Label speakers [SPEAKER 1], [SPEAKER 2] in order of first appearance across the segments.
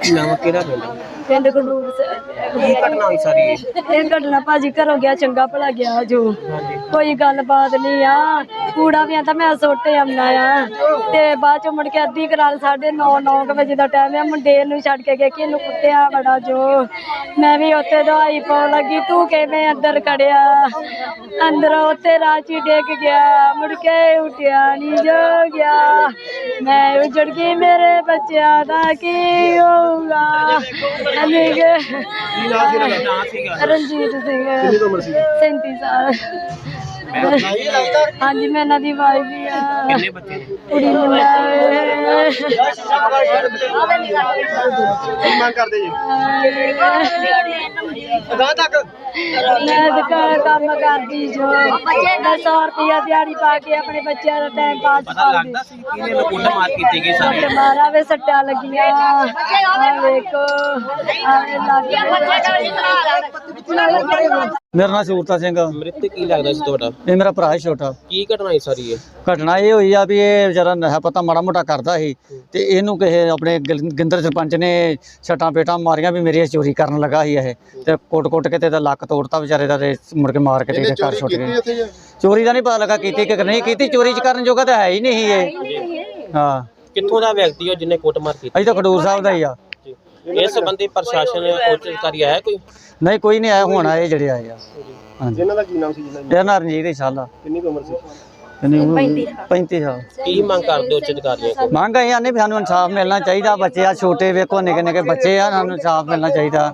[SPEAKER 1] ਨਾਮ ਕਿਹੜਾ
[SPEAKER 2] ਪਿੰਡ ਖਡੂਰ
[SPEAKER 1] ਕੀ ਘਟਨਾ ਹੋਈ ਸਾਰੀ
[SPEAKER 2] ਇਹ ਘਟਨਾ ਭਾਜੀ ਘਰੋਂ ਗਿਆ ਚੰਗਾ ਭਲਾ ਗਿਆ ਜੋ ਕੋਈ ਗੱਲਬਾਤ ਨਹੀਂ ਆ ਕੂੜਾ ਵੀ ਆਂਦਾ ਮੈਂ ਸੁੱਟ ਆਉਣਾ ਆ ਤੇ ਬਾਅਦ ਚ ਮੁੜ ਕੇ ਅੱਧੀ ਕਰਾਲ 9:30 ਵਜੇ ਦਾ ਟਾਈਮ ਆ ਮੁੰਡੇ ਨੂੰ ਛੱਡ ਕੇ ਗਏ ਕਿ ਇਹਨੂੰ ਕੁੱਟਿਆ ਬੜਾ ਜੋ ਮੈਂ ਵੀ ਉੱਥੇ ਦਵਾਈ ਪਾਉਣ ਲੱਗੀ ਤੂੰ ਕਿਵੇਂ ਅੰਦਰ ਖੜਿਆ ਅੰਦਰੋਂ ਉੱਥੇ ਰਾਚੀ ਡਿੱਗ ਗਿਆ ਮੁੜ ਕੇ ਉੱਠਿਆ ਨਹੀਂ ਜੋ ਗਿਆ ਮੈਂ ਉਜੜ ਗਈ ਮੇਰੇ ਬੱਚਿਆਂ ਦਾ ਕੀ ਹੋਊਗਾ ਰਣਜੀਤ ਸਿੰਘ 37 ਸਾਲ ਹਾਂਜੀ ਮੈਂ ਇਹਨਾਂ ਦੀ ਵਾਈਫ ਵੀ ਆ
[SPEAKER 1] ਕਿੰਨੇ ਬੱਚੇ
[SPEAKER 2] ਕੁੜੀ ਮੁੰਡਾ
[SPEAKER 3] ਕੀ ਮੰਗ ਕਰਦੇ ਜੀ ਅਗਾਂਹ ਤੱਕ
[SPEAKER 2] ਮੈਂ ਦੁਕਾਨ ਕੰਮ ਕਰਦੀ ਜੋ ਮੈਂ 100 ਰੁਪਇਆ ਦਿਹਾੜੀ ਪਾ ਕੇ ਆਪਣੇ ਬੱਚਿਆਂ ਦਾ ਟਾਈਮ ਪਾਸ
[SPEAKER 1] ਪਤਾ ਲੱਗਦਾ ਸੀ ਕਿ ਇਹਨੇ ਕੁੱਟ ਮਾਰ ਕੀਤੀ ਗਈ ਸਾਰੇ
[SPEAKER 2] ਮਾਰਾ ਵੇ ਸੱਟਾਂ ਲੱਗੀਆਂ ਆ ਵੇਖੋ ਆਵੇ
[SPEAKER 4] ਮੇਰਾ ਨਾਮ ਸੂਰਤਾ ਸਿੰਘ।
[SPEAKER 1] ਮ੍ਰਿਤਕ ਕੀ ਲੱਗਦਾ ਸੀ ਤੁਹਾਡਾ?
[SPEAKER 4] ਇਹ ਮੇਰਾ ਭਰਾ ਹੈ ਛੋਟਾ।
[SPEAKER 1] ਕੀ ਘਟਨਾ ਹੋਈ ਸਾਰੀ ਇਹ?
[SPEAKER 4] ਘਟਨਾ ਇਹ ਹੋਈ ਆ ਵੀ ਇਹ ਵਿਚਾਰਾ ਨਸ਼ਾ ਪਤਾ ਮਾੜਾ ਮੋਟਾ ਕਰਦਾ ਸੀ ਤੇ ਇਹਨੂੰ ਕਿਸੇ ਆਪਣੇ ਗਿੰਦਰ ਸਰਪੰਚ ਨੇ ਛਟਾਂ ਪੇਟਾਂ ਮਾਰੀਆਂ ਵੀ ਮੇਰੀ ਚੋਰੀ ਕਰਨ ਲੱਗਾ ਸੀ ਇਹ ਤੇ ਕੁੱਟ ਕੇ ਤੇ ਲੱਕ ਤੋੜਤਾ ਵਿਚਾਰੇ ਦਾ ਤੇ ਮੁੜ ਕੇ ਮਾਰ ਕੇ ਤੇ ਘਰ ਛੁੱਟ ਗਏ। ਚੋਰੀ ਦਾ ਨਹੀਂ ਪਤਾ ਲੱਗਾ ਕੀਤੀ ਕਿ ਨਹੀਂ ਕੀਤੀ, ਚੋਰੀ ਚ ਕਰਨ ਜੋਗਾ ਤਾਂ ਹੈ ਹੀ ਨਹੀਂ ਇਹ। ਹਾਂ
[SPEAKER 1] ਕਿੱਥੋਂ ਦਾ ਵਿਅਕਤੀ ਹੋ ਜਿਹਨੇ ਕੁੱਟਮਾਰ ਕੀਤੀ?
[SPEAKER 4] ਅਸੀਂ ਤਾਂ ਖਡੂਰ ਸਾਹਿਬ ਦਾ ਹੀ ਆ।
[SPEAKER 1] ਇਸ ਸੰਬੰਧੀ ਪ੍ਰਸ਼ਾਸਨ ਉੱਚ ਅਧਿਕਾਰੀ ਆਇਆ ਕੋਈ?
[SPEAKER 4] ਨਹੀਂ ਕੋਈ ਨਹੀਂ ਆਇਆ, ਹੁਣ ਆਏ ਜਿਹੜੇ ਆਏ ਆ। ਹਾਂਜੀ
[SPEAKER 3] ਇਹਨਾਂ ਦਾ ਕੀ ਨਾਮ ਸੀ ਜਿਹਨਾਂ ਦੀ
[SPEAKER 4] ਇਹ ਨਾ ਰਣਜੀਤ ਇਨਸ਼ਾਅੱਲਾ
[SPEAKER 3] ਕਿੰਨੀ ਕੁ ਉਮਰ ਸੀ?
[SPEAKER 4] 35 ਸਾਲ।
[SPEAKER 1] ਕੀ ਮੰਗ ਕਰਦੇ ਉੱਚ ਅਧਿਕਾਰੀਆਂ ਕੋਲ?
[SPEAKER 4] ਮੰਗ ਆਈ ਆਨੇ ਵੀ ਸਾਨੂੰ ਇਨਸਾਫ ਮਿਲਣਾ ਚਾਹੀਦਾ। ਬੱਚੇ ਆ ਛੋਟੇ ਵੇਖੋ ਨਿੱਕੇ ਨਿੱਕੇ ਬੱਚੇ ਆ, ਸਾਨੂੰ ਇਨਸਾਫ ਮਿਲਣਾ ਚਾਹੀਦਾ।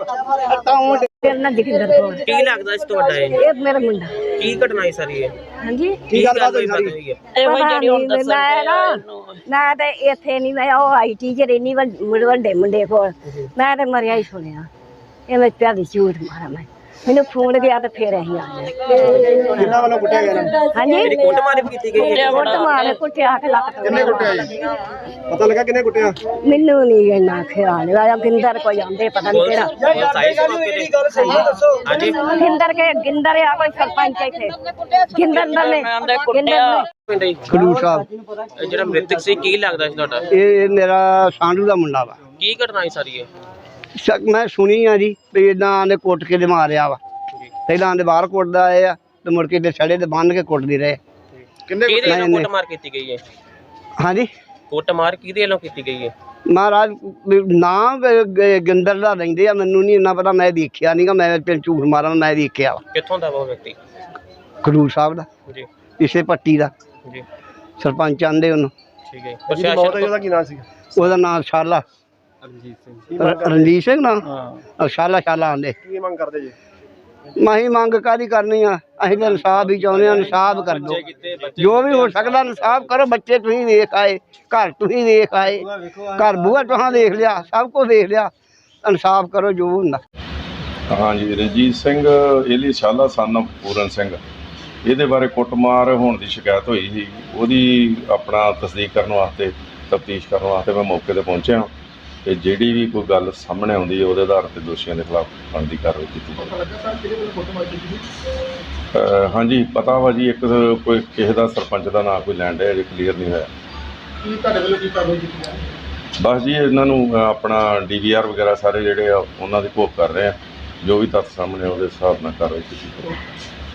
[SPEAKER 1] ਕੀ ਲੱਗਦਾ ਸੀ ਤੁਹਾਡਾ ਇਹ?
[SPEAKER 2] ਇਹ ਮੇਰਾ ਮੁੰਡਾ
[SPEAKER 1] ਕੀ ਘਟਨਾ ਹੋਈ ਸਾਰੀ ਇਹ?
[SPEAKER 2] ਹਾਂਜੀ
[SPEAKER 1] ਕੀ ਗੱਲ ਹੋਈ ਸਾਰੀ?
[SPEAKER 2] ਮੈਂ ਤੇ ਇੱਥੇ ਨਹੀਂ ਮੈਂ ਉਹ ਆਈ ਟੀਚਰ ਇੰਨੀ ਵੱਡੇ ਮੁੰਡੇ ਕੋਲ ਮੈਂ ਤੇ ਮਰਿਆ ਹੀ ਸੁਣਿਆ ਇਹ ਮੈਂ ਪਿਆ ਦੀ ਝੂਠ ਮਾਰਾ ਮੈਨੂੰ ਫੋਨ ਗਿਆ ਤੇ ਫੇਰ ਅਸੀਂ ਆ ਗਏ।
[SPEAKER 3] ਕਿੰਨਾ ਵੱਲੋਂ ਕੁੱਟਿਆ ਗਿਆ?
[SPEAKER 2] ਹਾਂਜੀ
[SPEAKER 1] ਕੁੱਟਮਾਰ ਕੀਤੀ ਗਈ ਹੈ?
[SPEAKER 2] ਕੁੱਟਮਾਰ ਕੁੱਟਿਆ ਕੇ ਲੱਕ
[SPEAKER 3] ਕਿੰਨੇ ਕੁੱਟਿਆ ਜੀ? ਪਤਾ ਲੱਗਾ ਕਿੰਨੇ ਕੁੱਟਿਆ?
[SPEAKER 2] ਮੈਨੂੰ ਨਹੀਂ ਇੰਨਾ ਖਿਆਲ ਆਇਆ ਗਿੰਦਰ ਕੋਈ ਆਂਦੇ ਪਤਾ ਨਹੀਂ ਕਿਹੜਾ
[SPEAKER 1] ਹਾਂਜੀ
[SPEAKER 2] ਗਿੰਦਰ ਆ ਕੋਈ ਸਰਪੰਚ ਇੱਥੇ ਗਿੰਦਰ ਨੇ
[SPEAKER 1] ਪਿੰਡ ਜੀ
[SPEAKER 3] ਖਡੂਰ ਸਾਹਿਬ।
[SPEAKER 1] ਇਹ ਜਿਹੜਾ ਮ੍ਰਿਤਕ ਸੀ ਕੀ ਲੱਗਦਾ ਸੀ ਤੁਹਾਡਾ?
[SPEAKER 3] ਇਹ ਮੇਰਾ ਸਾਂਢੂ ਦਾ ਮੁੰਡਾ ਵਾ।
[SPEAKER 1] ਕੀ ਘਟਨਾ ਹੋਈ ਸਾਰੀ ਇਹ?
[SPEAKER 3] ਮੈਂ ਸੁਣੀ ਆ ਜੀ ਵੀ ਇਦਾਂ ਆਂਦੇ ਕੁੱਟ ਕੇ ਤੇ ਮਾਰਿਆ ਵਾ। ਪਹਿਲਾਂ ਆਂਦੇ ਬਾਹਰ ਕੁੱਟਦਾ ਆਏ ਆ ਤੇ ਮੁੜ ਕੇ ਤੇ ਛੜੇ ਤੇ ਬੰਨ ਕੇ ਕੁੱਟਦੇ ਰਹੇ।
[SPEAKER 1] ਕਿਹਦੇ ਵੱਲੋਂ ਕੁੱਟਮਾਰ ਕੀਤੀ ਗਈ ਹੈ?
[SPEAKER 3] ਹਾਂਜੀ
[SPEAKER 1] ਕੁੱਟਮਾਰ ਕਿਹਦੇ ਵੱਲੋਂ ਕੀਤੀ ਗਈ ਹੈ?
[SPEAKER 3] ਮਹਾਰਾਜ ਨਾਮ ਗਿੰਦਰ ਦਾ ਲੈਂਦੇ ਆ, ਮੈਨੂੰ ਨਹੀਂ ਇੰਨਾ ਪਤਾ, ਮੈਂ ਦੇਖਿਆ ਨਹੀਂਗਾ, ਮੈਂ ਪਿੰਡ ਝੂਠ ਮਾਰਾਂ ਮੈਂ ਦੇਖਿਆ ਵਾ।
[SPEAKER 1] ਕਿੱਥੋਂ ਦਾ ਉਹ ਵਿਅਕਤੀ?
[SPEAKER 3] ਖਡੂਰ ਸਾਹਿਬ ਦਾ
[SPEAKER 1] ਜੀ
[SPEAKER 3] ਇਸੇ ਪੱਟੀ ਦਾ
[SPEAKER 1] ਜੀ
[SPEAKER 3] ਸਰਪੰਚ ਆਂਦੇ ਉਹਨੂੰ।
[SPEAKER 1] ਠੀਕ ਹੈ। ਪ੍ਰਸ਼ਾਸਨ
[SPEAKER 3] ਕੀ ਨਾਮ ਸੀ? ਉਹਦਾ ਨਾਮ ਸ਼ਾਲਾ ਰਣਜੀਤ ਸਿੰਘ ਨਾ ਸ਼ਾਲਾ ਆਂਦੇ। ਕੀ ਮੰਗ ਕਰਦੇ ਜੀ? ਮਾਹੀ ਮੰਗ ਕਾਹਦੀ ਕਰਨੀ ਆ, ਅਸੀਂ ਤਾਂ ਇਨਸਾਫ ਹੀ ਚਾਹੁੰਦੇ ਆ। ਇਨਸਾਫ ਕਰ ਦਿਓ, ਜੋ ਵੀ ਹੋ ਸਕਦਾ ਇਨਸਾਫ ਕਰੋ। ਬੱਚੇ ਤੁਸੀਂ ਵੇਖ ਆਏ, ਘਰ ਤੁਸੀਂ ਵੇਖ ਆਏ, ਘਰ ਬੂਹਾ ਤੁਹਾਂ ਦੇਖ ਲਿਆ, ਸਭ ਕੁਝ ਦੇਖ ਲਿਆ, ਇਨਸਾਫ ਕਰੋ ਜੋ ਹੁੰਦਾ।
[SPEAKER 5] ਹਾਂਜੀ ਰਣਜੀਤ ਸਿੰਘ ਏਲੀ ਸ਼ਾਲਾ ਸਨ ਪੂਰਨ ਸਿੰਘ, ਇਹਦੇ ਬਾਰੇ ਕੁੱਟਮਾਰ ਹੋਣ ਦੀ ਸ਼ਿਕਾਇਤ ਹੋਈ ਸੀ। ਉਹਦੀ ਆਪਣਾ ਤਸਦੀਕ ਕਰਨ ਵਾਸਤੇ, ਤਫਤੀਸ਼ ਕਰਨ ਵਾਸਤੇ ਮੈਂ ਮੌਕੇ 'ਤੇ ਪਹੁੰਚਿਆ ਤੇ ਜਿਹੜੀ ਵੀ ਕੋਈ ਗੱਲ ਸਾਹਮਣੇ ਆਉਂਦੀ ਹੈ ਉਹਦੇ ਆਧਾਰ 'ਤੇ ਦੋਸ਼ੀਆਂ ਦੇ ਖਿਲਾਫ ਬਣਦੀ ਕਾਰਵਾਈ ਕੀਤੀ ਜਾਵੇ। ਹਾਂਜੀ ਪਤਾ ਵਾ ਜੀ, ਇੱਕ ਕੋਈ ਕਿਸੇ ਦਾ ਸਰਪੰਚ ਦਾ ਨਾਂ ਕੋਈ ਲੈਣ ਡਿਆ, ਅਜੇ ਕਲੀਅਰ ਨਹੀਂ ਹੋਇਆ। ਬਸ ਜੀ ਇਹਨਾਂ ਨੂੰ ਆਪਣਾ DVR ਵਗੈਰਾ ਸਾਰੇ ਜਿਹੜੇ ਆ ਉਹਨਾਂ ਦੀ ਘੋਖ ਕਰ ਰਹੇ ਆ, ਜੋ ਵੀ ਤੱਥ ਸਾਹਮਣੇ ਉਹਦੇ ਹਿਸਾਬ ਨਾਲ ਕਾਰਵਾਈ ਕੀਤੀ ਜਾਵੇ।